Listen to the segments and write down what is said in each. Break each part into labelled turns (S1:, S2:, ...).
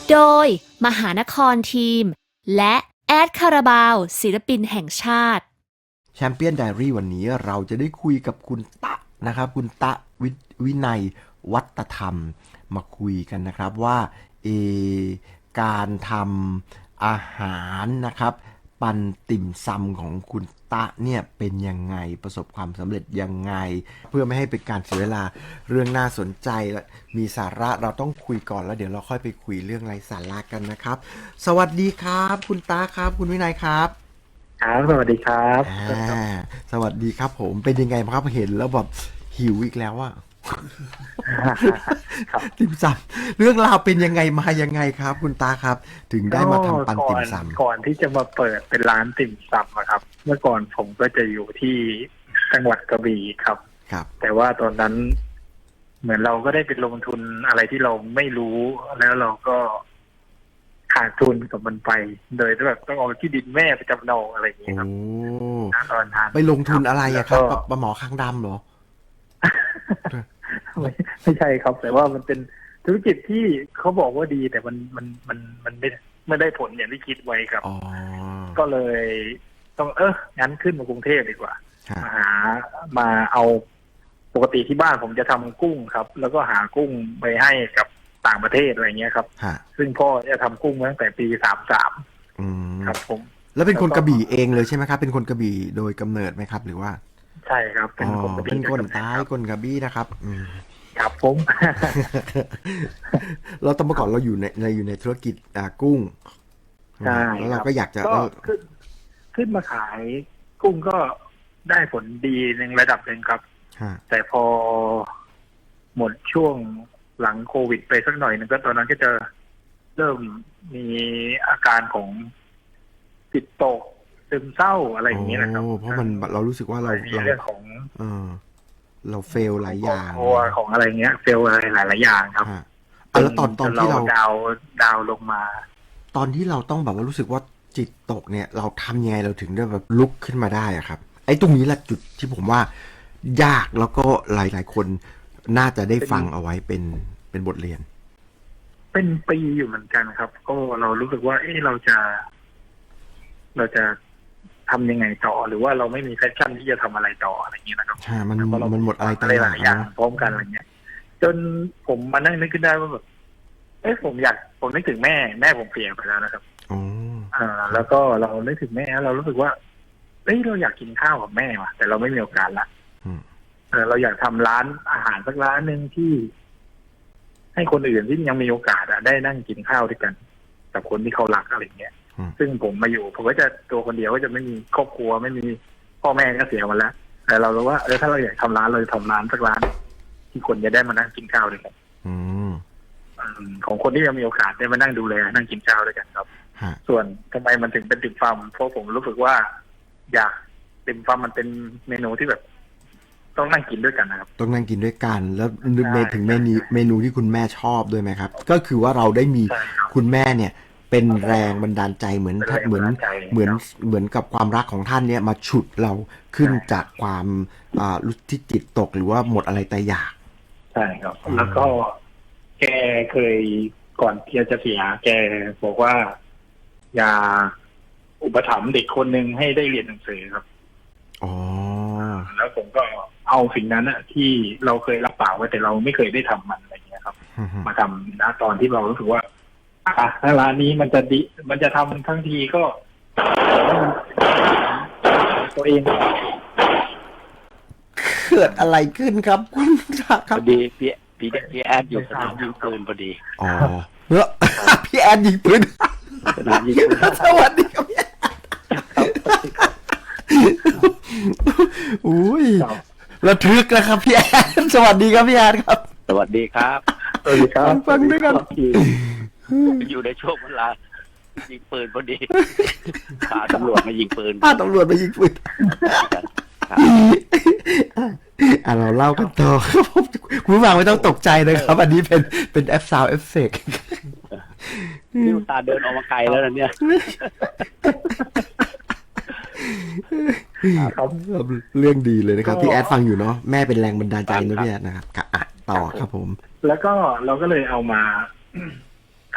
S1: โดยมหานครทีมและแอดคาราบาวศิลปินแห่งชาติ
S2: แชมเปี้ยนไดอารี่วันนี้เราจะได้คุยกับคุณตะนะครับคุณตะวินัยวัฒธรรมมาคุยกันนะครับว่าการทำอาหารนะครับปันติ่มซำของคุณตะเนี่ยเป็นยังไงประสบความสำเร็จยังไงเพื่อไม่ให้เป็นการเสียเวลาเรื่องน่าสนใจและมีสาระเราต้องคุยก่อนแล้วเดี๋ยวเราค่อยไปคุยเรื่องไร้สาระกันนะครับสวัสดีครับคุณตะครับคุณวินัยครับ
S3: ครับสวัสดีครับ
S2: สวัสดีครับผมเป็นยังไงครับเห็นแล้วแบบหิวอีกแล้วอะติ่มซำเรื่องราวเป็นยังไงมายังไงครับคุณตาครับถึงได้มาทำปันติ่มซำ
S3: ก่อนที่จะมาเปิดเป็นร้านติ่มซำอะครับเมื่อก่อนผมก็จะอยู่ที่จังหวัดกระบี่ครับแต่ว่าตอนนั้นเหมือนเราก็ได้ไปลงทุนอะไรที่เราไม่รู้แล้วเราก็ขาดทุนกับมันไปโดยแบบต้องเอาที่ดินแม่ไปจำนองอะไรอย่างเงี้ยครับตอนนั้น
S2: ไปลงทุนอะไรอะครับปลาหมอคางดำเหรอ
S3: ไม่ใช่ครับแต่ว่ามันเป็นธุรกิจที่เขาบอกว่าดีแต่มันไม่ได้ผลอย่างที่คิดไว้ครับก็เลยต้องงั้นขึ้นมากรุงเทพดีกว่ามาเอาปกติที่บ้านผมจะทำกุ้งครับแล้วก็หากุ้งไปให้กับต่างประเทศอะไรเงี้ยครับซึ่งพ่อจะทำกุ้งมาตั้งแต่ปี33ครับผม
S2: แล้วเป็นคนกระบี่เองเลยใช่ไหมครับเป็นคนกระบี่โดยกำเนิดไหมครับหรือว่า
S3: ใช่ครับเป็นคนกระบี่
S2: เป็นคนใต้คนกระบี่นะครับ
S3: ครับผม
S2: เราตอนเมื่อก่อนเราอยู่ในธุรกิจกุ้ง
S3: ใช่
S2: แล้วเราก็อยากจะ
S3: ขึ้นมาขายกุ้งก็ได้ผลดีในระดับหนึ่งครับแต่พอหมดช่วงหลังโควิดไปสักหน่อยนึงก็ตอนนั้นก็จะเริ่มมีอาการของจิตตกซึมเศร้าอะไรอย่างเงี้ยนะครับ
S2: เพราะมันเรารู้สึกว่าเรา
S3: มีเรื่องของ
S2: เราเฟลหลายอย่าง
S3: ของอะไรเงี้ยเฟลอะไรหลายอย่างครับ
S2: แล้วตอนที่เรา
S3: ดาวลงมา
S2: ตอนที่เราต้องแบบว่ารู้สึกว่าจิตตกเนี่ยเราทำยังไงเราถึงได้แบบลุกขึ้นมาได้อะครับไอ้ตรงนี้แหละจุดที่ผมว่ายากแล้วก็หลายๆคนน่าจะได้ฟังเอาไว้เป็นบทเรียน
S3: เป็นปีอยู่เหมือนกันครับก็เรารู้สึกว่าเราจะทำยังไงต่อหรือว่าเราไม่มีแพชชั่นที่จะทำอะไรต่ออะไรอย่างเงี้ยนะครับ
S2: มันหมดอะไร
S3: หลายอย่างพร้อมกันอะไรเงี้ยจนผมมานั่งนึกขึ้นได้ว่าแบบผมนึกถึงแม่ผมเสียไปแล้วนะครับแล้วก็เรานึกถึงแม่เรารู้สึกว่าเราอยากกินข้าวกับแม่ว่ะแต่เราไม่มีโอกาสละเราอยากทำร้านอาหารสักร้านหนึ่งที่ให้คนอื่นที่ยังมีโอกาสได้นั่งกินข้าวด้วยกันกับคนที่เขารักอะไรเงี้ยซึ่งผมมาอยู่ผมก็จะตัวคนเดียวก็จะไม่มีครอบครัวไม่มีพ่อแม่ก็เสียมาแล้วแต่เรารู้ว่าถ้าเราอยากทำร้านเราจะทำร้านสักร้านที่คนจะได้มานั่งกินข้าวด้วยกันของคนที่ยังมีโอกาสได้มานั่งดูแลนั่งกินข้าวด้วยกันครับส่วนทำไมมันถึงเป็นติ่มซำเพราะผมรู้สึกว่าอยากติ่มซำมันเป็นเมนูที่แบบต้องนั่งกินด้วยกันนะครับ
S2: ต้องนั่งกินด้วยกันแล้วถึงเมนูที่คุณแม่ชอบด้วยไหมครับก็คือว่าเราได้มีคุณแม่เนี่ยเป็นแรงบันดาลใจเหมือนกับความรักของท่านเนี่ยมาฉุดเราขึ้นจากความรู้ที่จิตตกหรือว่าหมดอะไรแต่อยาก
S3: ใช่ครับแล้วก็แกเคยก่อนที่จะเสียแกบอกว่าอย่าอุปถัมภ์เด็กคนหนึ่งให้ได้เรียนหนังสือครับแล้วผมก็เอาสิ่งนั้นที่เราเคยรับปากไว้แต่เราไม่เคยได้ทำมันอะไรเงี้ยครับมาทำนะตอนที่เรารู้สึกว่าถ้าร้านนี้มันจะดีมันจะทำทั้งทีก็ตัวเอง
S2: เกิดอะไรขึ้นครับคุณครับ
S4: ดีพี่แอดอยู่สนามยิงปืนพอดี
S2: พี่แอดยิงปืน
S4: สนามยิงปืน
S2: สวัสดีครับพี่แอดอุ้ยระทึกนะครับพี่แอดสวัสดีครับพี่แอดครับ
S4: สวัสดีครับ
S3: สวัสดีครับ
S2: ฟังด้วยกัน
S4: อยู่ในช่วงเวลายิงปืนพอดีพาตำรวจมายิงปืน
S2: เราเล่ากันต่อครับคุณผู้ฟังไม่ต้องตกใจนะครับอันนี้เป็นแอปซาวด์เอฟเฟกต์
S4: นี่ตาเดินออกมาไกลแล้วนะเนี่ย
S2: เรื่องดีเลยนะครับที่แอดฟังอยู่เนาะแม่เป็นแรงบันดาลใจนะพี่แอดนะครับต่อครับผม
S3: แล้วก็เราก็เลยเอามาท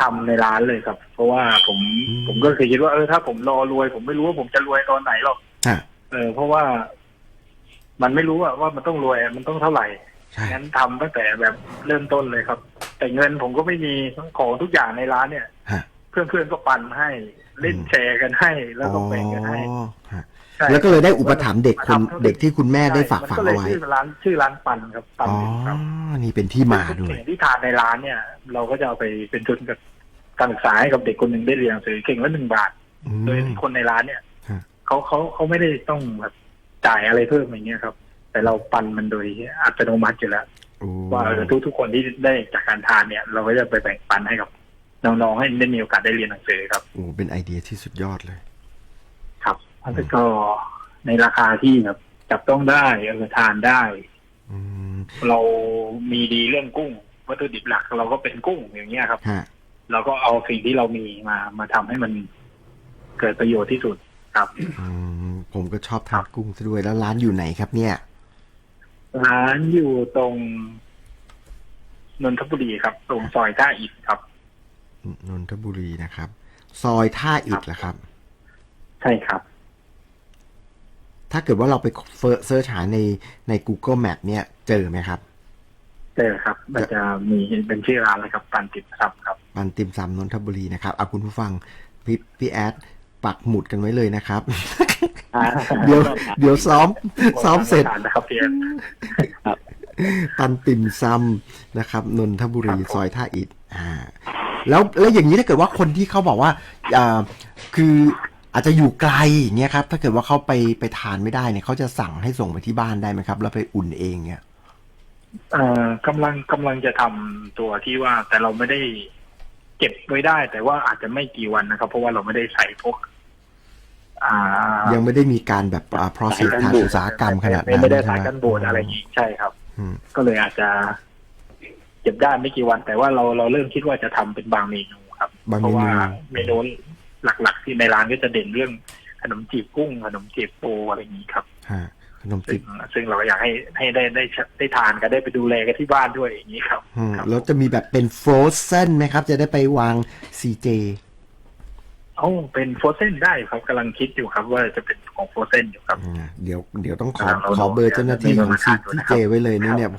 S3: ทำในร้านเลยครับ เพราะว่าผมก็เคยคิดว่าถ้าผมรอรวยผมไม่รู้ว่าผมจะรวยตอนไหนหรอก
S2: ฮะ
S3: เพราะว่ามันไม่รู้ว่ามันต้องรวยมันต้องเท่าไหร่
S2: ใช่
S3: งั้นทำตั้งแต่แบบเริ่มต้นเลยครับ แต่เงินผมก็ไม่มีของทุกอย่างในร้านเนี่ย
S2: ฮะ
S3: เพื่อนๆก็ปันให้เล่นแชร์กันให้แล้วก็แบ่งกันให้
S2: อ๋อฮะ
S3: ใช่
S2: แล้วก็เลยได้อุปถัมภ์เด็กที่คุณแม่ได้ฝาก
S3: ใช่
S2: ฝัง
S3: มันก็เลย
S2: เอาไว้
S3: ชื่อร้านปันครับปัน
S2: อ๋อ
S3: ครับ
S2: นี่เป็นที่มาด้วย
S3: สิ่งที่ทานในร้านเนี่ย เราก็จะเอาไปเป็นทุนกับการศึกษาให้กับเด็กคนหนึ่งได้เรียนหนังสือเก่งละ1 บาท โดยที่คนในร้านเนี่ย
S2: ฮะ
S3: เขาไม่ได้ต้องแบบจ่ายอะไรเพิ่มอย่างเงี้ยครับ แต่เราปันมันโดยอัตโนมัติอยู่แล้ว
S2: โอ้
S3: ว่าทุกคนที่ได้จากการทานเนี่ย เราก็จะไปแบ่งปันให้กับน้องๆให้ได้มีโอกาสได้เรียนหนังสือครับ
S2: โอ้เป็นไอเดียที่สุดยอดเลย
S3: ครับแล้วก็ในราคาที่แบบจับต้องได้ทานได้
S2: อืม
S3: เรามีดีเรื่องกุ้งวัตถุดิบหลักเราก็เป็นกุ้งอย่างเงี้ยครับ
S2: ฮะ
S3: เราก็เอาสิ่งที่เรามีมาทำให้มันเกิดประโยชน์ที่สุดครับ
S2: ผมก็ชอบทานกุ้งซะด้วยแล้วร้านอยู่ไหนครับเนี่ย
S3: ร้านอยู่ตรงนนทบุรีครับ ตรงซอยท่าอิฐครับ
S2: นนทบุรีนะครับ ซอยท่าอิฐเหรอครับ
S3: ใช่ครับ
S2: ถ้าเกิดว่าเราไปเซิร์ชหาใน Google Map เนี่ยเจอไหมครับ
S3: เจอครับ มันจะมีเป็นชื่อร้านเลยครับปันติดครับครับ
S2: ปันติมซำนนทบุรีนะครับเอาคุณผู้ฟังพี่แอดปักหมุดกันไว้เลยนะครับ เดี๋ยวซ้อมเสร็จ
S3: นะครับพี่แอน
S2: ปันติมซำนะครับนนทบุรีซอยท่าอิฐแล้วอย่างนี้ถ้าเกิดว่าคนที่เขาบอกว่าคืออาจจะอยู่ไกลอย่างเงี้ยครับถ้าเกิดว่าเขาไปทานไม่ได้เนี่ยเขาจะสั่งให้ส่งไปที่บ้านได้ไหมครับแล้วไปอุ่นเองเนี่ย
S3: กำลังจะทำตัวที่ว่าแต่เราไม่ได้เก็บไว้ได้ แต่ว่าอาจจะไม่กี่วันนะครับ เพราะว่าเราไม่ได้ใส่พวก
S2: ยังไม่ได้มีการแบบprocess ทางอุตสาหกรรมขนาดนั้น
S3: ไม่ได้สายกันบูดอะไรอย่างนี้ใช่ครับก็เลยอาจจะเก็บได้ไม่กี่วัน แต่ว่าเราเริ่มคิดว่าจะทำเป็นบางเมนูครับเพราะว่าเมนูหลักๆที่ในร้านก็จะเด่นเรื่องขนมจีบกุ้งขนมจีบปูอะไรอย่างนี้ครับ
S2: ขนมจีบ
S3: ซึ่งเราอยากให้ได้ทานกันได้ไปดูแลกันที่บ้านด้วยอย่างนี้ครับ
S2: แล้วจะมีแบบเป็นฟรอเซนไหมครับจะได้ไปวาง CJ
S3: เป็นโฟรเซนได้ครับกำลังคิดอยู่ครับว่าจะเป็นของโฟรเซนอยู่ครับ
S2: เดี๋ยวต้องขอเบอร์เจ้าหน้าที่ของ CJ ไว้เลยเนี่ย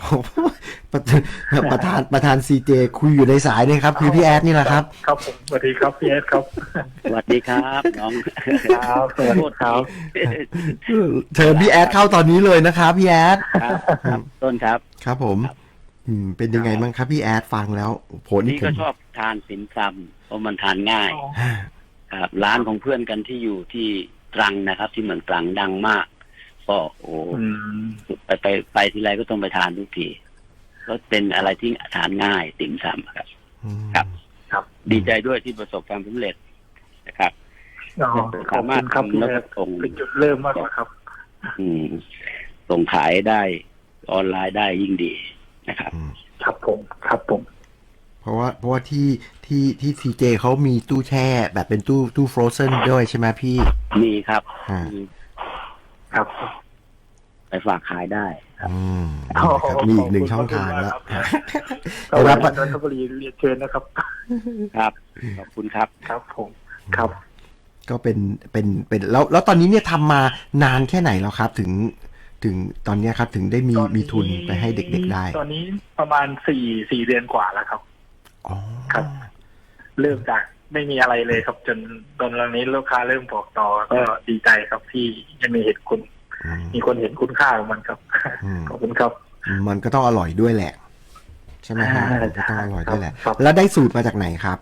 S2: ประธาน CJ คุยอยู่ในสายเนี่ยครับคือพี่แอดนี่แหละครับ
S3: ครับผมสวัสดีครับพี่แอดครับ
S4: สวัสดีครับน้อง
S3: ครับสวัสดีครับ
S2: เชิญพี่แอดเข้าตอนนี้เลยนะครับพี่แอด
S4: ครับต้นครับ
S2: ครับผมเป็นยังไงบ้างครับพี่แอดฟังแล้วผล
S4: นี่ก็ชอบทานติ่มซำเพราะมันทานง่ายครับร้านของเพื่อนกันที่อยู่ที่ตรังนะครับที่เหมือนตรังดังมากก็ไปทีไรก็ต้องไปทานทุกทีก็เป็นอะไรที่ทานง่ายติ่มซำครับดีใจด้วยที่ประสบความสำเร็จนะครับ
S3: สามารถทำแล้วก็ส่งเป็นจุดเริ่มมากกว่าครับ
S4: ส่งขายได้ออนไลน์ได้ยิ่งดีนะครับ
S3: ครับผม
S2: เพราะว่าที่ CJ เขามีตู้แช่แบบเป็นตู้ฟรอเซนด้วยใช่ไหมพี่
S4: มีครับ
S3: ครับ
S4: ไปฝากขายได้ครับ
S2: มีอีกหนึ่งช่องทางแล้ว
S3: รับนนทบุรีเรียนเชิญนะครับ
S4: ครับขอบคุณครับ
S3: ครับผมครับ
S2: ก็เป็นแล้วตอนนี้เนี่ยทำมานานแค่ไหนแล้วครับถึงตอนนี้ครับถึงได้มีทุนไปให้เด็กๆได้
S3: ตอนนี้ประมาณ4 เดือนกว่าแล้วครับครับเริ่มจากไม่มีอะไรเลยครับจนตอนนี้ลูกค้าเริ่มบอกต่อก็ดีใจครับที่ยังมีมีคนเห็นคุณค่าของมันครับขอบคุณครับ
S2: มันก็ต้องอร่อยด้วยแหละใช่ไหมฮะก็ต้องอร่อยด้วยแหละแล้วได้สูตรมาจากไหนครับ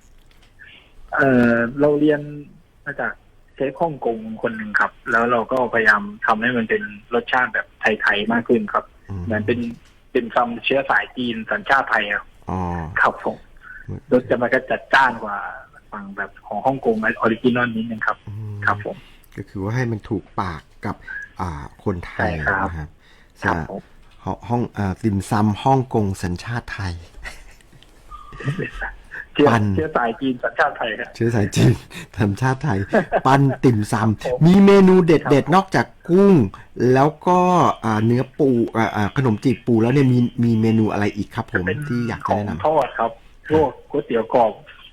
S3: เราเรียนมาจากเชฟฮ่องกงคนหนึ่งครับแล้วเราก็พยายามทำให้มันเป็นรสชาติแบบไทยๆมากขึ้นครับเหมือนเป็นซัมเชื้อสายจีนสัญชาติไทยครับผมรสจะมันก็จัดจ้านกว่าฝั่งแบบของฮ่องกงออริจินอลนิดนึงครับครับผม
S2: ก็คือว่าให้มันถูกปากกับคนไทยนะครับห้องติ่มซำฮ่องกงสัญชาติไทย
S3: ปันเชื้อสายจีนสัญชาติไทยครับ
S2: เชื้อสายจีนสัญชาติไทยปันติ่มซำมีเมนูเด็ดๆนอกจากกุ้งแล้วก็เนื้อปูขนมจีบปูแล้วเนี่ยมีเมนูอะไรอีกครับผมที่อยากจะแนะนำ
S3: ทอดครับพวกก๋วยเตี๋ยวกรอบ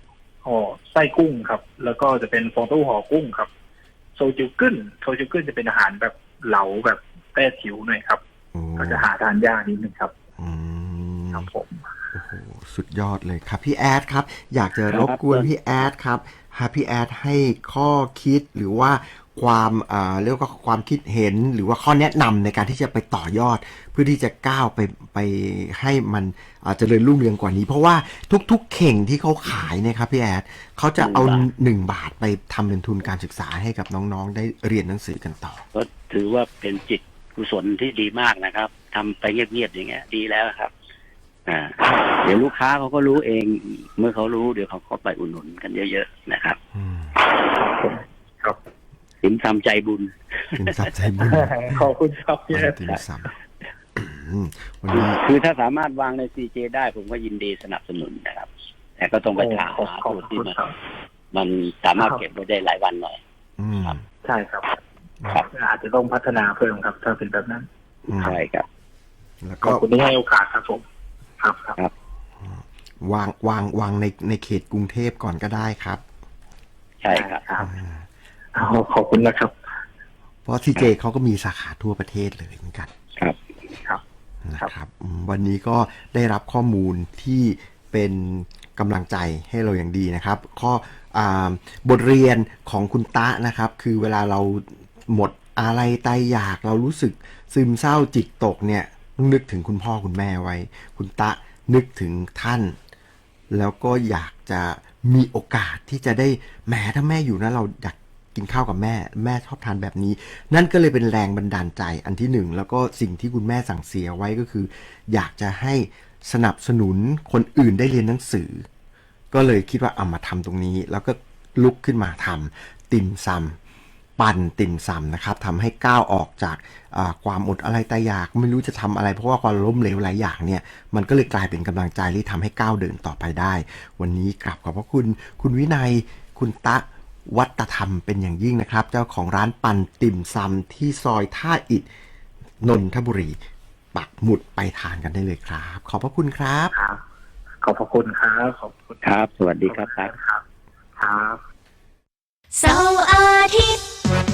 S3: ห่อไส้กุ้งครับ แล้วก็จะเป็นฟองเต้าหู้ห่อกุ้งครับโซจูกึ้นจะเป็นอาหารแบบเหลาแบบแต้จิ๋วหน่อยครับก็จะหาทานยากนิดนึงครับครับผม
S2: โอ้โหสุดยอดเลยครับพี่แอดครับอยากจะรบกวนพี่แอดครับพี่แอดให้ข้อคิดหรือว่าความเรียกว่าความคิดเห็นหรือว่าข้อแนะนำในการที่จะไปต่อยอดเพื่อที่จะก้าวไปให้มันเจริญรุ่งเรืองกว่านี้เพราะว่าทุกๆเข่งที่เขาขายเนี่ยครับพี่แอดเขาจะเอา1 บาทไปทำเป็นทุนการศึกษาให้กับน้องๆได้เรียนหนังสือกันต่อ
S4: ก็ถือว่าเป็นจิตกุศลที่ดีมากนะครับทำไปเงียบๆอย่างเงี้ยดีแล้วครับเดี๋ยวลูกค้าเขาก็รู้เองเมื่อเขารู้เดี๋ยวเขาก็ไปอุดหนุนกันเยอะๆนะครับ
S3: ครับ
S4: สินทำใจบุญ
S3: ขอบคุณครับพี่
S2: ติ่มซำ
S4: วันนี้คือถ้าสามารถวางใน CJ ได้ผมก็ยินดีสนับสนุนนะครับแต่ก็ต้องไปหาสูตรที่มันสามารถเก็บไว้ได้หลายวันหน่อย
S3: ครับใช่ครับอาจจะต้องพัฒนาเพิ่มครับถ้าเป็นแบบนั้น
S4: ใช่ครับ
S2: แล้ว
S3: ก็ขอบคุณที่ให้โอกาสครับผมครับ
S2: วางในเขตกรุงเทพก่อนก็ได้ครับ
S4: ใช่ครับ
S3: ขอบคุณนะครับ
S2: เพราะ CJ เขาก็มีสาขาทั่วประเทศเลยเหมือนกัน
S3: ครับ
S2: นะครับวันนี้ก็ได้รับข้อมูลที่เป็นกำลังใจให้เราอย่างดีนะครับบทเรียนของคุณตะนะครับคือเวลาเราหมดอะไรตายอยากเรารู้สึกซึมเศร้าจิตตกเนี่ยต้องนึกถึงคุณพ่อคุณแม่ไว้คุณตะนึกถึงท่านแล้วก็อยากจะมีโอกาสที่จะได้แหมถ้าแม่อยู่นะเราอยากกินข้าวกับแม่ชอบทานแบบนี้นั่นก็เลยเป็นแรงบันดาลใจอันที่หนึ่งแล้วก็สิ่งที่คุณแม่สั่งเสียไว้ก็คืออยากจะให้สนับสนุนคนอื่นได้เรียนหนังสือก็เลยคิดว่าเอามาทำตรงนี้แล้วก็ลุกขึ้นมาทำติ่มซำปั่นติ่มซำนะครับทำให้ก้าวออกจากความอดอะไรตายอยากไม่รู้จะทำอะไรเพราะว่าความล้มเหลวหลายอย่างเนี่ยมันก็เลยกลายเป็นกำลังใจที่ทำให้ก้าวเดินต่อไปได้วันนี้กราบขอบพระคุณคุณวินัยคุณตะวัตธรรมเป็นอย่างยิ่งนะครับเจ้าของร้านปั่นติ่มซำที่ซอยท่าอิฐนนทบุรีปักหมุดไปทานกันได้เลยครับขอบพระคุณครับ
S3: ขอบพระคุณครับขอบคุณ
S4: ครับสวัสดีครับ
S3: ครับ
S1: เสาร์อาทิตย์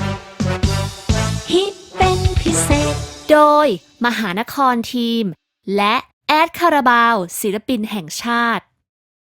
S1: ฮิตเป็นพิเศษโดยมหานครทีมและแอดคาราบาวศิลปินแห่งชาติ